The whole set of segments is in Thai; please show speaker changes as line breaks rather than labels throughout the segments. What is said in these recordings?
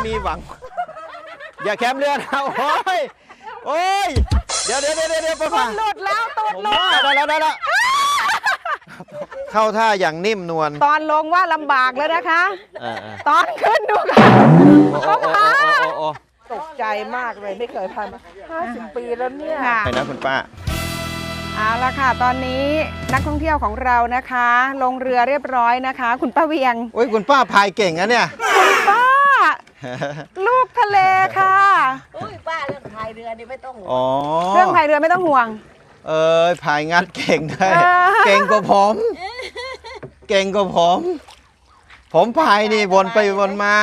มีหวังอย่าแคมเรือนะโอ้ยเดี๋ยวป้าพา
หลุดแล้วตูดหลุด
ได้แล้วเข้าท่าอย่างนิ่มนวล
ตอนลงว่าลำบากแล้วนะคะตอนขึ้นดูค่ะ
ตกใจมากเลยไม่เคยพายมา50 ปีแล้วเนี่ย
ไปนะคุณป้า
เอาละค่ะตอนนี้นักท่องเที่ยวของเรานะคะลงเรือเรียบร้อยนะคะคุณป้าเวียง
โอ้ยคุณป้าพายเก่งนะเนี่ย
คุณป้าลูกทะเลค่ะ
อุ้ยป้าเรื่องพายเรือนี่ไม่ต้องห่ว
งเรื่องพายเรือไม่ต้องห่วง
พายงัดเก่งได้เก่งกว่าผมพายนี่วนไปวนมา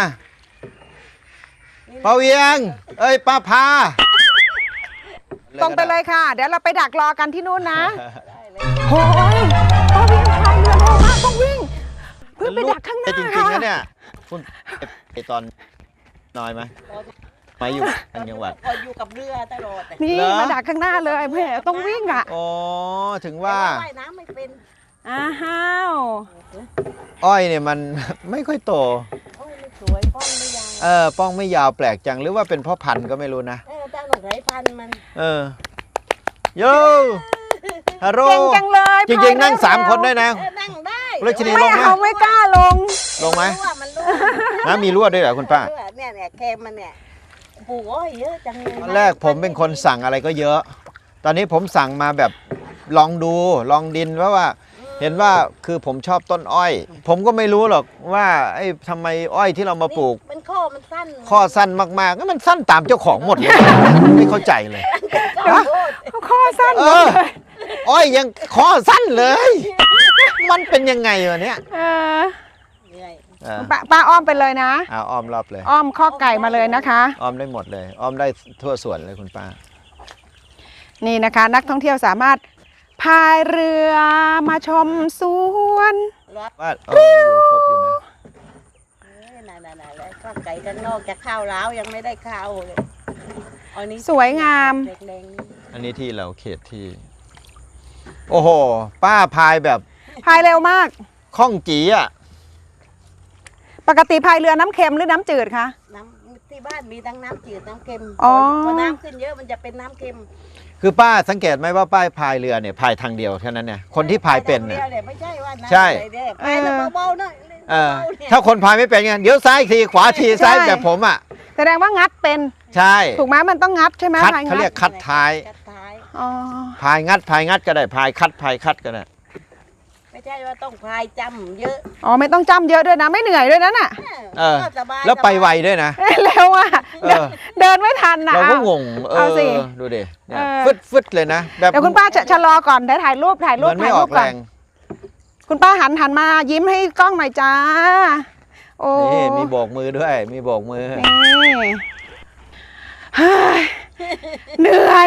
ป้าเวียงป้าพา
ตรงไปเลยค่ะเดี๋ยวเราไปดักรอกันที่นู่นนะโอ้ยป้าเวียงพายเรือเร็วมากต้องวิ่งเพื่อไปดักข้างหน้า
จริงๆนะเนี่ยคุณไปตอนน้อยไหมมาอยู่ทางจังหวัด
พออยู่กับเรือตลอด
นี่มาดักข้างหน้าเลยแม่ต้องวิ่งอ่ะ
อ๋อถึงว่า
ว่ายน้ำไม่เป็น
อ้าว
อ้อยเนี่ยมันไม่ค่อยโต
ไม่สวยป้องไม่ยาว
ป้องไม่ยาวแปลกจังหรือว่าเป็นเพราะพันธุ์ก็ไม่รู้นะ
ตั้งหนุ่มไรพันธุ์มัน
โยฮัลโหล
เก่งจังเลย
จริงๆนั่ง3 คนได้นะ
นั่งได้
รัชนีลงไหม
ไม่กล้าลง
ไหมน้ำมีรั่วด้วยเหรอคุณป้า
เนี่ยแคมมันเนี่ยปลูกอ้อยเยอะจังเลย
ตอนแรกผมเป็นคนสั่งอะไรก็เยอะตอนนี้ผมสั่งมาแบบลองดูลองดินเพราะว่าเห็นว่าคือผมชอบต้นอ้อยผมก็ไม่รู้หรอกว่าทำไมอ้อยที่เรามาปลูก
มัน
ข้อสั้นมากๆมันสั้นตามเจ้าของหมดเลยไม่เข้าใจเลย
ข้อสั้น
อ้อยยังข้อสั้นเลยมันเป็นยังไงวะเนี่ย
ป้าอ้อมไปเลยนะ
อ้อมรอบเลย
อ้อมข้อไก่มาเลยนะคะ
อ้อมได้หมดเลยอ้อมได้ทั่วสวนเลยคุณป้า
นี่นะคะนักท่องเที่ยวสามารถพายเรือมาชมสวน
ว่าอยู่ครบอยู่นะ
ข้าวไก่กันนอกจากข้าวล้าวยังไม่ได้ข้าวเลยอันนี้
สวยงาม
อันนี้ที่เราเขตที่โอ้โหป้าพายแบบ
พายเร็วมาก
คล่องจี๋อ่ะ
ปกติพายเรือน้ำเค็มหรือน้ำจืดคะ
น้ำที่บ้านมีทั้งน้ำจืดน้ำเค็มพอน้ำขึ้นเยอะมันจะเป็นน้ำเค็ม
คือป้าสังเกตไหมว่าป้าพายเรือเนี่ยพายทางเดียวแค่นั้นเนี่ยคนที่พายเป็นเนี่ย
ไม่ใช่ว่า
ใช่
พายเบาๆหน่อย
ถ้าคนพายไม่เป็นไงเดี๋ยวซ้ายทีขวาทีซ้ายแบบผมอ่ะ
แสดงว่างัดเป็น
ใช่
ถูกไหมมันต้องงัดใช่ไหม
เขาเรียกคัดท้ายพายงัดก็ได้พายคัดก็ได้
ไม่ใช่ว่าต้องพายจำเยอะ
ไม่ต้องจำเยอะด้วยนะไม่เหนื่อยด้วยนะน่ะ
แล้วไปไวด้วยนะ
เร็วอ่ะเดินไม่ทันนะ
เราก็งงดูดิฟึดเลยนะแบบ
เดี๋ยวคุณป้าจะชะลอก่อนได้ถ่ายรูปก่อนคุณป้าหันมายิ้มให้กล้องหน่อยจ้าโอ้
นี่มีโบกมือด้วยมีโบกมือ
เหนื่อย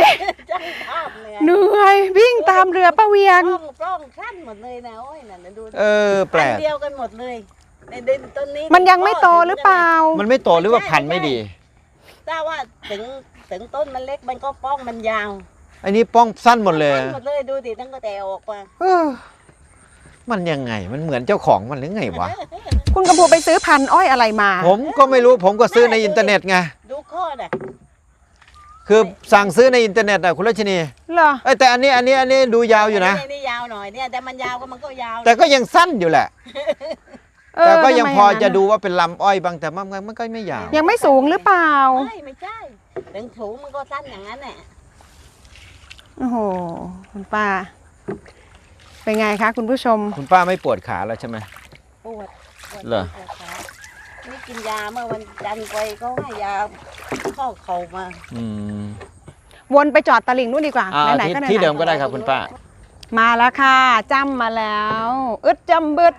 วิ่งตามเรือป้าเวียง
ปล้องขั้นหมดเลยนะโอ้ยนั่นดู
แปลก
เดียวกันหมดเลยในดินต้นนี้
มันยังไม่โตหรือเปล่า
มันไม่โตหรือว่าพันธุ์ไม่ดี
ถ้าว่าถึงต้นมันเล็กมันก็ป้องมันยาว
อันนี้ป้องสั้นหมดเลย
ดูดิตั้งแต่ออกมา
มันยังไงมันเหมือนเจ้าของมันหรือไงวะ
คุณกำพูไปซื้อพันธุ์อ้อยอะไรมา
ผมก็ไม่รู้ผมก็ซื้อในอินเทอร์เน็ตไง
ดูข้อน่ะ
คือสั่งซื้อในอินเทอร์เน็ตนะคุณรัชนี
เหรอ
แต่อันนี้ดูยาวอยู่นะ
นี่ยาวหน่อยเนี่ยแต่มันยาวก็มันก็ยาว
แต่ก็ยังสั้นอยู่แหละแต่ก็ยังพอจะดูว่าเป็นลำอ้อยบางแต่มันก็ไม่ยาว
ยังไม่สูงหรือเปล่า
ไม่ใช่ถึงสูงมันก็สั้นอย่างนั้นแหละ
โอ้โหคุณป้าเป็นไงคะคุณผู้ชม
คุณป้าไม่ปวดขาแล้วใช่ไหม
ปวด
เหรอ
นี่กินยาเมื่อวันจันทร์ไปเขาให้ยาข้อเข่ามา
วนไปจอดตลิ่งนู่นดีกว่าไหนๆก็
ที่เดิมก็ได้ครับคุณป้า
มาแล้วค่ะจ้ำมาแล้วอึดจำบึด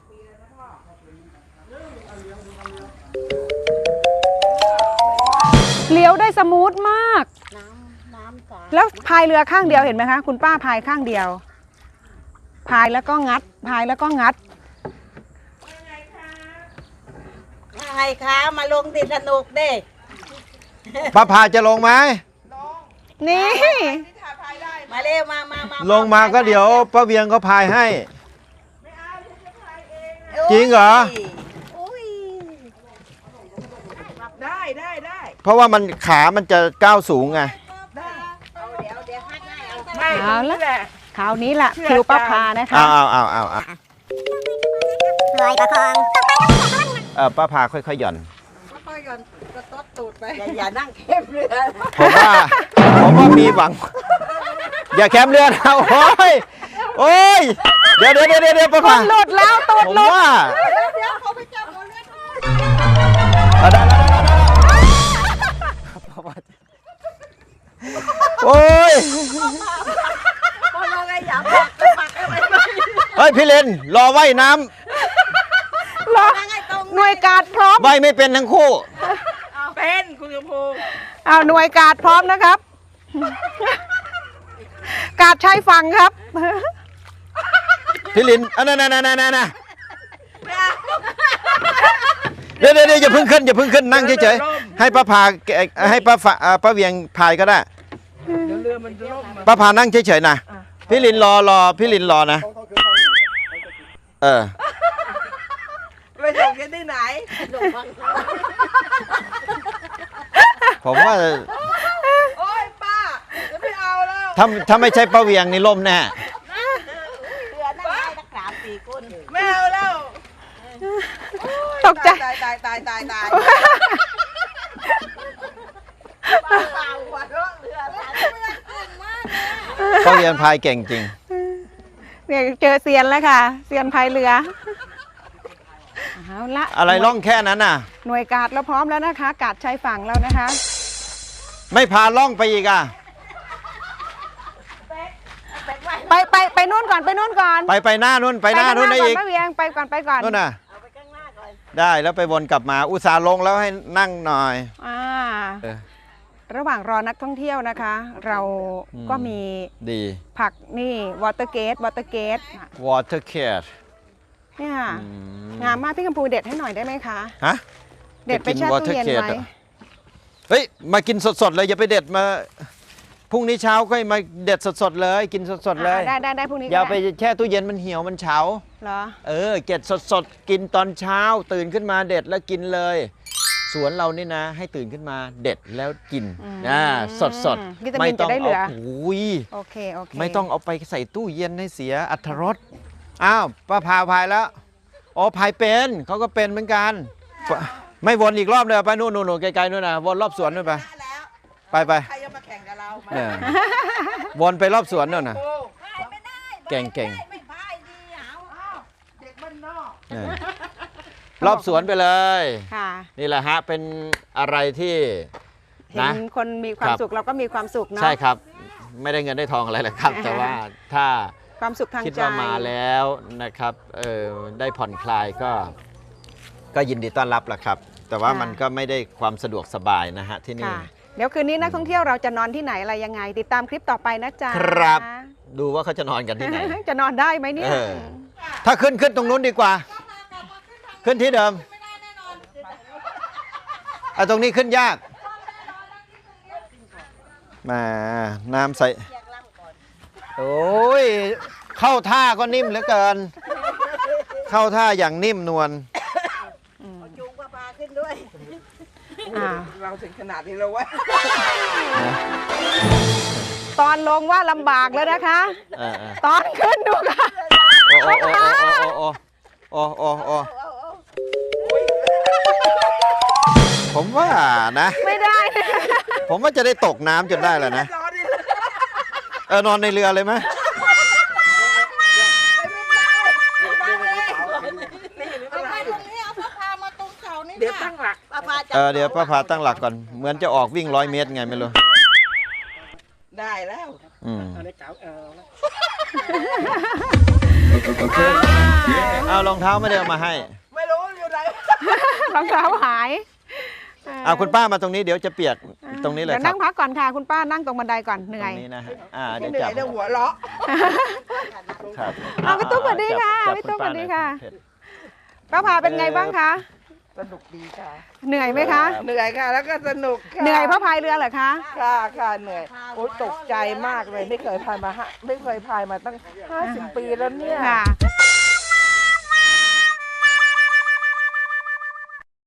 เลี้ยวได้สมูทมากแล้วพายเรือข้างเดียวเห็นไหมคะคุณป้าพายข้างเดียวพายแล้วก็งัด
ไงคะมาลงติดสนุกเด้
ป้าพาจะลงไหม
นี่
มาเร็วมา
ลงมาก็เดี๋ยวป้าเวียงเขาพายให้จริงเหรอ
ได้
เพราะว่ามันขามันจะก้าวสูงไง
เอาละคราวนี้ล่ะคิวป้าพานะคะ
เอาลอยประคองป้าพาค่อยๆหย่อน
ค่อยๆก่อนกระต๊ดตูดไปอย่านั่งเข้มเรือ
ผมว่ามีหวัง อย่าแคมเรือนะโอ้ยเดี๋ยวป้า
ค
พาน
หลุดแล้วตูด
ผม
หลุด
ว่า
เดี๋ยวเขาไปจับหัวเรือ
ได้โอ้ย
พอเราไงอย่าปักอะไร
เฮ้ยพี่เลนรอว่ายน้
เหรอหน่วยการพร้อม
ำว่ายไม่เป็นทั้งคู่
เป็นคุณกระพู
เอาหน่วยการพร้อมนะครับ การใช้ฝั่งครับ
พี่ลินนั่นเดี๋ยวอย่าเพิ่งขึ้นนั่งเฉยๆให้ป้าพาให้ป้าเวียงพายก็ได้ป้าพานั่งเฉยๆนะพี่ลินรอพี่ลินรอนะ
ไปส่งกันที่ไหน
ผมว่า
โอ้ยป้าจะไม่เอาแล้ว
ถ้าไม่ใช่ป้าเวียงนี่ล่มแน่
เรือนั่งได้ตั้ง3-4 คนไม่เอาแล้ว
ตกใจ
ตายหัวเราะเรือตาย
ป้าเวียงพายเก่งจริง
เนี่ยเจอเซียนแล้วค่ะเซียนพายเรือเอาละ
อะไรล่องแค่นั้นน่ะ
หน่วยการเราพร้อมแล้วนะคะ การใช้ฝั่งแล้วนะคะ
ไม่พาล่องไปอีกอ่ะ
ไปนู่นก่อนไปนู่นก่อน
ไปหน้านู่นไปหน้านู่นได้อีก
ป้าเวียงไปก่อน
นู่นน่ะ
เอาไปข้างหน้าก่อน
ได้แล้วไปวนกลับมาอุตส่าห์ลงแล้วให้นั่งหน่อย เออ
ระหว่างรอนักท่องเที่ยวนะคะ เราก็มี
ดี
ผักนี่วอเตอร์เกต
water cat
เนี่ยค่ะงามมากพี่กัมพูเด็ดให้หน่อยได้ไหมคะ
ฮะ
เด็ดไปแช่ตู้เย็น
จะกิน water
ไว้
cat เหรอ เฮ้ยมากินสดๆเลยอย่าไปเด็ดมาพรุ่งนี้เช้าก็มาเด็ดสดๆเลยกินสดๆเลย
ได้พรุ่งนี้
อย่า
ก็
ไป
ด้
แช่ตู้เย็นมันเหี่ยวมันเฉา
เหรอ
เก็บสดๆกินตอนเช้าตื่นขึ้นมาเด็ดแล้วกินเลย สวนเรานี่นะ ให้ตื่นขึ้นมาเด็ดแล้วกินสด
วิตา
ๆ
มินจะได้เหลือ
อุ้ย
โอเค
ไม่ต้องเอาไปใส่ตู้เย็นให้เสียอรรถรสอ้าวป้าพาพายแล้วอ๋อพายเป็นเขาก็เป็นเหมือนกันไม่วนอีกรอบเลยไปนู่นไกลๆนู่นนะวนรอบสวนนู่นไป
แล้ว
ไป
ใครจะมาแข่งกับเรา
วนไปรอบสวนนู่นนะ
ไม่ได้
เก่ง
ไม่พายดีเอาเด็กบ้านนอก
รอบสวนไปเลย
ค่ะ
นี่แหละฮะเป็นอะไรที่
เห็นคนมีความสุขเราก็มีความสุขเนาะ
ใช่ครับ ไม่ได้เงินได้ทองอะไรหรอกครับ แต่ว่าถ้า
ความสุขทาง
คิด
ใจ
ว่ามาแล้วนะครับได้ผ่อนคลายก็ยินดีต้อนรับแหละครับ แต่ว่ามันก็ไม่ได้ความสะดวกสบายนะฮะที่นี่
ค่ะ เดี๋ยวคืนนี้นักท่องเที่ยวเราจะนอนที่ไหนอะไรยังไง ติดตามคลิปต่อไปนะจ๊ะ
ครับ ดูว่าเขาจะนอนกันที่ไหน
จะนอนได้ไหมเนี่ย
ถ้าขึ้นตรงนู้นดีกว่า ขึ้นที่เดิมตรงนี้ขึ้นยากมาน้ำใสโอ้ยเข้าท่าก็นิ่มเหลือเกิน เข้าท่าอย่างนิ่มนวล
จูงพาขึ้นด้วย
เราถึงขนาดนี้แล้ววะ
ตอนลงว่าลำบากแล้วนะคะ
เออ
ตอนขึ้นดูค่ะ
โอ้ผมว่านะ
ไม่ได้นะ
ผมว่าจะได้ตกน้ำจนได้แล้วนะ นอนในเรือเลยไหม
เดี๋ยวตั้งหลัก
เดี๋ยวป้าพาตั้งหลักก่อน เหมือนจะออกวิ่ง100 เมตรไงไม่รู้
ได้แล้ว
เอารองเท้าไม่ได้เอามาให้
ไม่รู้อยู่ไหน
รองเท้าหาย
คุณป้ามาตรงนี้เดี๋ยวจะเปียกตรงนี้เลย
เดี๋ยว
ครั
นั่
บ
งพักก่อนค่ะ คุณป้านั่งตรงบันไดก่อนเหนื่
ต
อ
ร
ย
งนี้นะฮะเดี๋ยว
เหนื่
จั
อบ ยเดี๋ยวหัวเราะ
ครับ
เอาพี่ตุ๊กสวัสดีค่ะ
จับ
พี่ตุ๊ก
ณ
สวัสดีค่ะ
หน่อย
ป้าพาเป็นไงบ้างคะ
สนุกดีค่ะ
เหนื่อยไหมคะ
เหนื่อยค่ะ แล้วก็สนุกค่ะ
เหนื่อยเพราะพายเรือเหรอคะ
ค่ะเหนื่อยโอ้ยตกใจมากเลยไม่เคยพายมาตั้ง50 ปีแล้วเนี่ย
ค่ะ